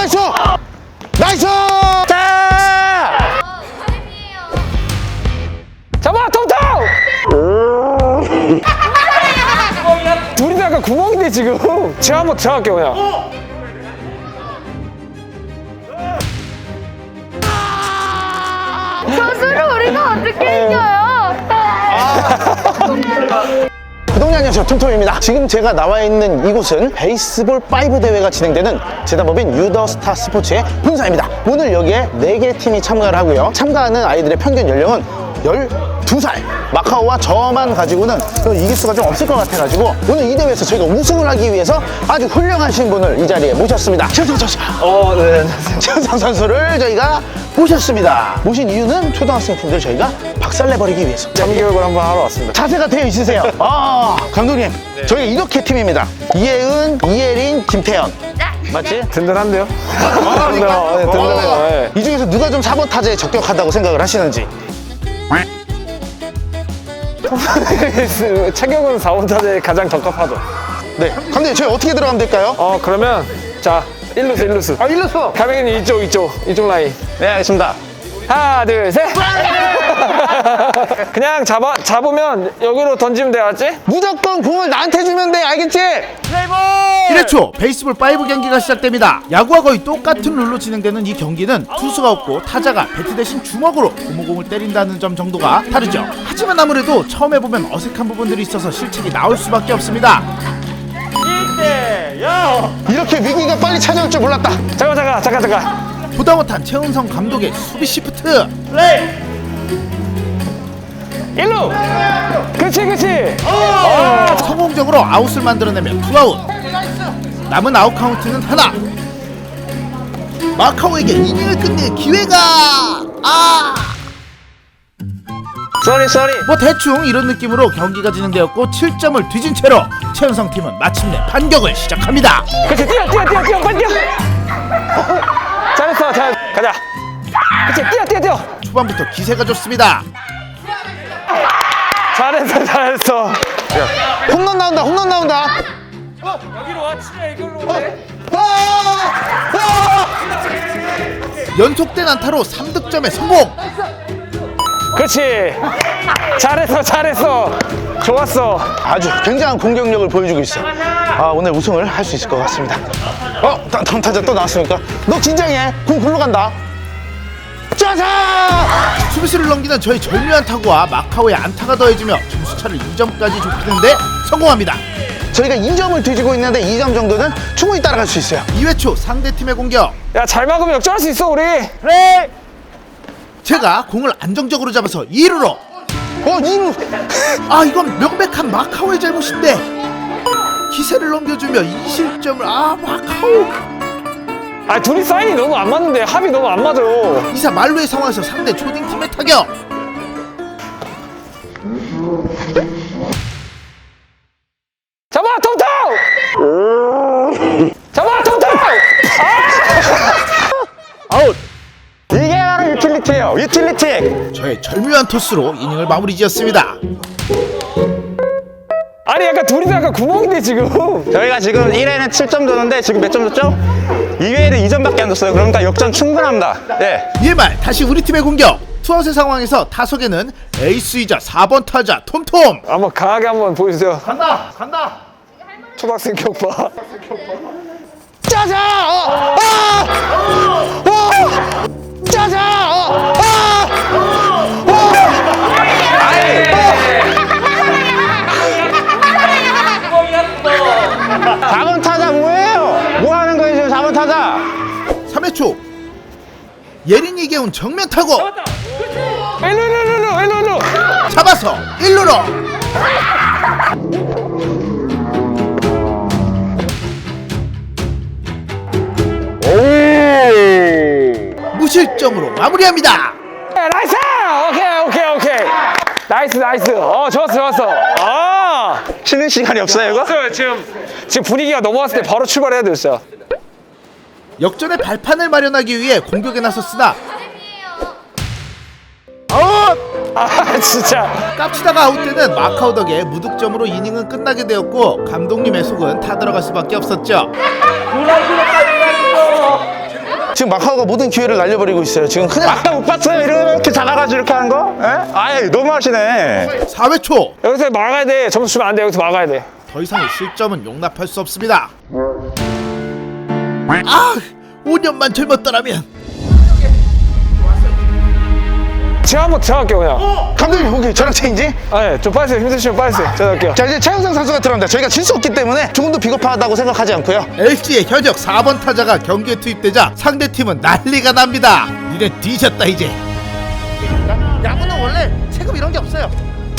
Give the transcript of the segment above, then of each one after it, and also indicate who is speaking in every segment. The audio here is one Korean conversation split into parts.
Speaker 1: 나이스! 나이스!
Speaker 2: 자! 잡아, 통통! 둘이 다 약간 구멍인데, 지금. 제가 한번 들어갈게요, 그냥.
Speaker 3: 선수를 우리가 어떻게 이겨요?
Speaker 1: 구독자 안녕하세요, 톰톰입니다. 지금 제가 나와 있는 이곳은 베이스볼 5 대회가 진행되는 재단법인 유더스타 스포츠의 본사입니다. 오늘 여기에 4개 팀이 참가를 하고요. 참가하는 아이들의 평균 연령은 12살. 마카오와 저만 가지고는 이길 수가 좀 없을 것 같아가지고 오늘 이 대회에서 저희가 우승을 하기 위해서 아주 훌륭하신 분을 이 자리에 모셨습니다. 최성 선수.
Speaker 2: 네.
Speaker 1: 최성 선수를 저희가 모셨습니다. 모신 이유는 초등학생 팀들 저희가 박살내버리기 위해서.
Speaker 2: 참교육을 한번 하러 왔습니다.
Speaker 1: 자세가 되어 있으세요. 감독님, 저희가 이렇게 팀입니다. 이혜은, 이혜린, 김태현. 맞지?
Speaker 2: 든든한데요?
Speaker 1: 그러니까.
Speaker 2: 든든해요. 네.
Speaker 1: 이 중에서 누가 좀 4번 타자에 적격하다고 생각을 하시는지.
Speaker 2: 체격은 4번 타자에 가장 적합하죠.
Speaker 1: 네. 감독님, 저희 어떻게 들어가면 될까요?
Speaker 2: 그러면, 자, 일루스.
Speaker 1: 일루수.
Speaker 2: 가맹이는 이쪽 라인.
Speaker 1: 네, 알겠습니다.
Speaker 2: 하나, 둘, 셋! 그냥 잡으면 여기로 던지면 돼, 알았지?
Speaker 1: 무조건 공을 나한테 주면 돼, 알겠지?
Speaker 4: 1회 초 베이스볼 5 경기가 시작됩니다. 야구와 거의 똑같은 룰로 진행되는 이 경기는 투수가 없고 타자가 배트 대신 주먹으로 고무공을 때린다는 점 정도가 다르죠. 하지만 아무래도 처음 해보면 어색한 부분들이 있어서 실책이 나올 수밖에 없습니다.
Speaker 1: 이렇게 위기가 빨리 찾아올 줄 몰랐다.
Speaker 2: 잠깐.
Speaker 4: 보다 못한 최은성 감독의 수비 시프트.
Speaker 2: 일루! 그치!
Speaker 4: 성공적으로 아웃을 만들어내며 투아웃. 남은 아웃 카운트는 하나. 마카오에게 이닝을 끝낼 기회가.
Speaker 2: 쏘리.
Speaker 4: 뭐 대충 이런 느낌으로 경기가 진행되었고 7점을 뒤진 채로 최은성 팀은 마침내 반격을 시작합니다.
Speaker 2: 그치, 뛰어, 빨리 뛰어! 잘했어, 가자. 그치, 뛰어!
Speaker 4: 초반부터 기세가 좋습니다.
Speaker 2: 잘했어.
Speaker 1: 홈런 나온다.
Speaker 2: 여기로 와, 치면 이걸로 와.
Speaker 4: 연속된 안타로 3득점에 성공.
Speaker 2: 그렇지. 잘했어. 좋았어.
Speaker 1: 아주 굉장한 공격력을 보여주고 있어. 오늘 우승을 할 수 있을 것 같습니다. 다음 타자 또 나왔으니까. 너 긴장해. 공 글로 간다. 짜자!
Speaker 4: 수비수를 넘기는 저희 절묘한 타구와 마카오의 안타가 더해지며 점수차를 2점까지 좁히는데 성공합니다.
Speaker 1: 저희가 2점을 뒤지고 있는데 2점 정도는 충분히 따라갈 수 있어요.
Speaker 4: 2회 초 상대팀의 공격.
Speaker 2: 야, 잘 막으면 역전할 수 있어, 우리.
Speaker 4: 그래. 제가 공을 안정적으로 잡아서 2루로.
Speaker 1: 2루.
Speaker 4: 이건 명백한 마카오의 잘못인데 기세를 넘겨주며 2실점을. 마카오.
Speaker 2: 둘이 사인이 너무 안 맞는데, 합이 너무 안 맞아요.
Speaker 4: 이사 말루의 상황에서 상대 초딩팀의 타격.
Speaker 2: 잡아, 통통!
Speaker 1: 아웃. 이게 바로 유틸리티예요. 유틸리티.
Speaker 4: 저의 절묘한 토스로 이닝을 마무리 지었습니다.
Speaker 2: 아니, 약간 둘이 다 약간 구멍인데, 지금.
Speaker 5: 저희가 지금 1회는 7점 줬는데 지금 몇 점 줬죠? 2회에는 2점밖에 안 줬어요. 그러니까 역전 충분합니다. 네.
Speaker 4: 이에 말 다시 우리 팀의 공격. 투아웃의 상황에서 타석에는 에이스이자 4번 타자 톰톰.
Speaker 2: 한번 강하게 한번 보여주세요.
Speaker 4: 간다.
Speaker 2: 초등학생 격파.
Speaker 1: 짜자! 짜자!
Speaker 5: 4번 타자 뭐예요? 뭐 하는 거예요 지금 4번 타자?
Speaker 4: 3회 초 예린이 개운 정면 타고
Speaker 2: 일루.
Speaker 4: 잡아서 1루로. 무실점으로 마무리합니다.
Speaker 2: 나이스! 오케이. 나이스. 좋았어.
Speaker 5: 쉬는 시간이 없어요 이거?
Speaker 2: 지금 분위기가 넘어왔을 때 바로 출발해야 돼요, 진짜.
Speaker 4: 역전의 발판을 마련하기 위해 공격에 나섰으나
Speaker 2: 진짜.
Speaker 4: 깝치다가 아웃되는 마카오 덕에 무득점으로 이닝은 끝나게 되었고 감독님의 속은 타들어갈 수밖에 없었죠.
Speaker 1: 지금 마카오가 모든 기회를 날려버리고 있어요. 지금 그냥
Speaker 5: 아까 못 봤어요? 이렇게 작아가지고 이렇게 하는 거? 예? 아이, 너무 하시네.
Speaker 4: 4회 초.
Speaker 2: 여기서 막아야 돼. 점수 주면 안 돼. 여기서 막아야 돼.
Speaker 4: 더 이상의 실점은 용납할 수 없습니다. 아, 5년만 젊었더라면.
Speaker 2: 제가 한번 들어갈게요 그냥.
Speaker 1: 감독님 보기 저랑 체인지.
Speaker 2: 네, 좀 빠지세요. 힘드시면 빠지세요. 제가 할게요.
Speaker 1: 자, 이제 최현성 선수가 들어갑니다. 저희가 질 수 없기 때문에 조금도 비겁하다고 생각하지 않고요.
Speaker 4: LG의 현역 4번 타자가 경기에 투입되자 상대팀은 난리가 납니다. 니네 뒤졌다 이제. 야구는 원래 세금 이런 게 없어요.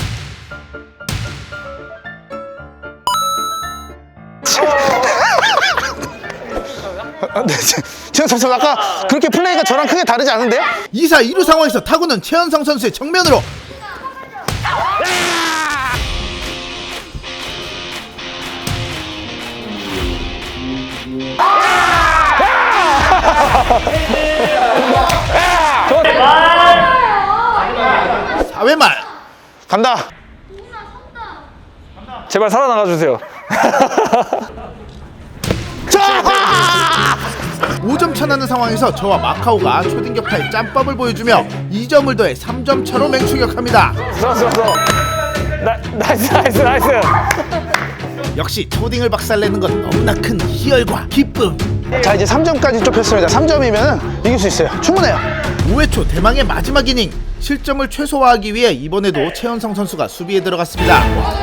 Speaker 1: 네, 최현성 선수 아까 그렇게 플레이가 저랑 크게 다르지 않은데요?
Speaker 4: 2사 2루 상황에서 타구는 최현성 선수의 정면으로. 사회 말.
Speaker 1: 간다.
Speaker 2: 제발 살아나가 주세요.
Speaker 4: 5점 차 나는 상황에서 저와 마카오가 초딩 격파의 짬밥을 보여주며 2점을 더해 3점 차로 맹추격합니다.
Speaker 2: 좋았어. 나이스.
Speaker 4: 역시 초딩을 박살내는 건 너무나 큰 희열과 기쁨.
Speaker 1: 자, 이제 3점까지 좁혔습니다. 3점이면 이길 수 있어요. 충분해요.
Speaker 4: 5회 초 대망의 마지막 이닝. 실점을 최소화하기 위해 이번에도 최현성 선수가 수비에 들어갔습니다.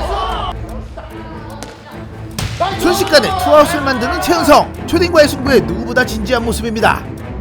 Speaker 4: 순식간에 투아웃을 만드는 최현성. 초딩과의 승부에 누구보다 진지한 모습입니다.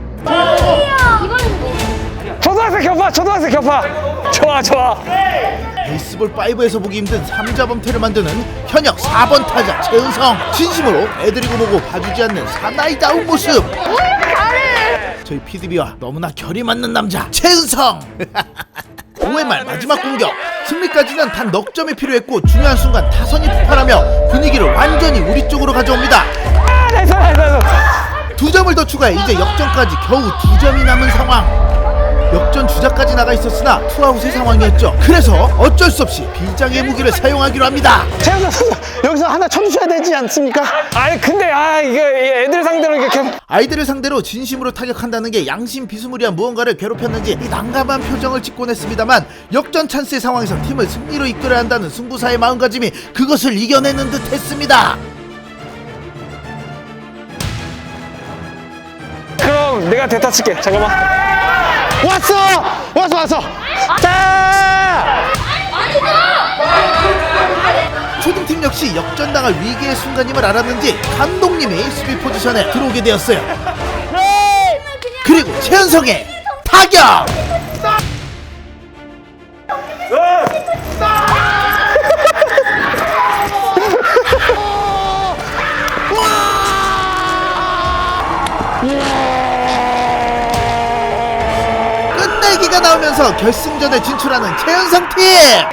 Speaker 2: 초등학생 격파. 좋아.
Speaker 4: 베이스볼 5에서 보기 힘든 3자 범퇴를 만드는 현역 4번 타자 최은성. 진심으로 애드리고 보고 봐주지 않는 사나이다운 모습. 저희 PDB와 너무나 결이 맞는 남자 최은성. 5회 말 마지막 공격. 승리까지는 단 넉 점이 필요했고 중요한 순간 타선이 폭발하며 분위기를 완전히 우리 쪽으로 가져옵니다.
Speaker 2: 나이스.
Speaker 4: 2점을 더 추가해 이제 역전까지 겨우 2점이 남은 상황. 역전 주자까지 나가 있었으나 투아웃의 상황이었죠. 그래서 어쩔 수 없이 비장의 무기를 사용하기로 합니다.
Speaker 1: 최현성 선수 여기서 하나 쳐주셔야 되지 않습니까?
Speaker 2: 아니 근데 이게 애들 상대로 이렇게
Speaker 4: 아이들을 상대로 진심으로 타격한다는 게 양심 비스무리한 무언가를 괴롭혔는지 이 난감한 표정을 짓곤 했습니다만 역전 찬스의 상황에서 팀을 승리로 이끌어야 한다는 승부사의 마음가짐이 그것을 이겨내는 듯 했습니다.
Speaker 2: 그럼 내가 대타 칠게. 잠깐만.
Speaker 1: 왔어. 자!
Speaker 4: 초등팀 역시 역전당할 위기의 순간임을 알았는지 감독님이 수비 포지션에 들어오게 되었어요. 그리고 최현성의 타격! 끝내기가 나오면서 결승전에 진출하는 최현성 팀!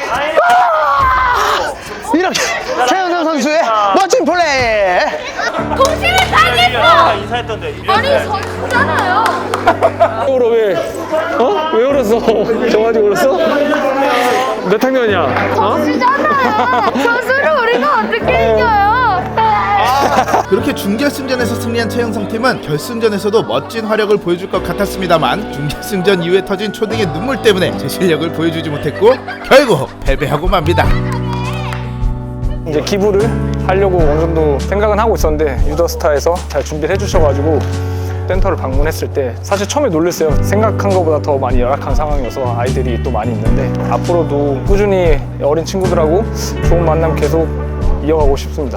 Speaker 1: 이렇게 최현성 선수의 멋진 플레이.
Speaker 3: 도시를 당했어. 아니 선수잖아요.
Speaker 2: 울어 왜? 왜 울었어? 저 가지고 울었어? 몇 학년이야?
Speaker 3: 선수잖아요. 선수를 우리가 어떻게 이겨요?
Speaker 4: 그렇게 준결승전에서 승리한 최현성 팀은 결승전에서도 멋진 활약을 보여줄 것 같았습니다.만 준결승전 이후에 터진 초딩의 눈물 때문에 제 실력을 보여주지 못했고 결국 패배하고 맙니다.
Speaker 2: 이제 기부를 하려고 어느 정도 생각은 하고 있었는데 유더스타에서 잘 준비를 해주셔가지고 센터를 방문했을 때 사실 처음에 놀랐어요. 생각한 것보다 더 많이 열악한 상황이어서 아이들이 또 많이 있는데 앞으로도 꾸준히 어린 친구들하고 좋은 만남 계속 이어가고 싶습니다.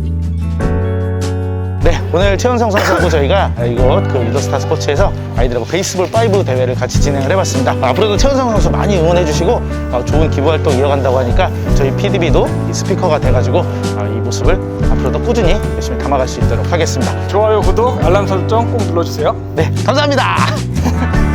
Speaker 1: 네, 오늘 최현성 선수하고 저희가 이곳 그 유더스타 스포츠에서 아이들하고 베이스볼 5 대회를 같이 진행을 해봤습니다. 앞으로도 최현성 선수 많이 응원해주시고 좋은 기부 활동 이어간다고 하니까 저희 PDB도 스피커가 돼가지고 이 모습을 앞으로도 꾸준히 열심히 담아갈 수 있도록 하겠습니다.
Speaker 2: 좋아요, 구독, 알람 설정 꼭 눌러주세요.
Speaker 1: 네, 감사합니다.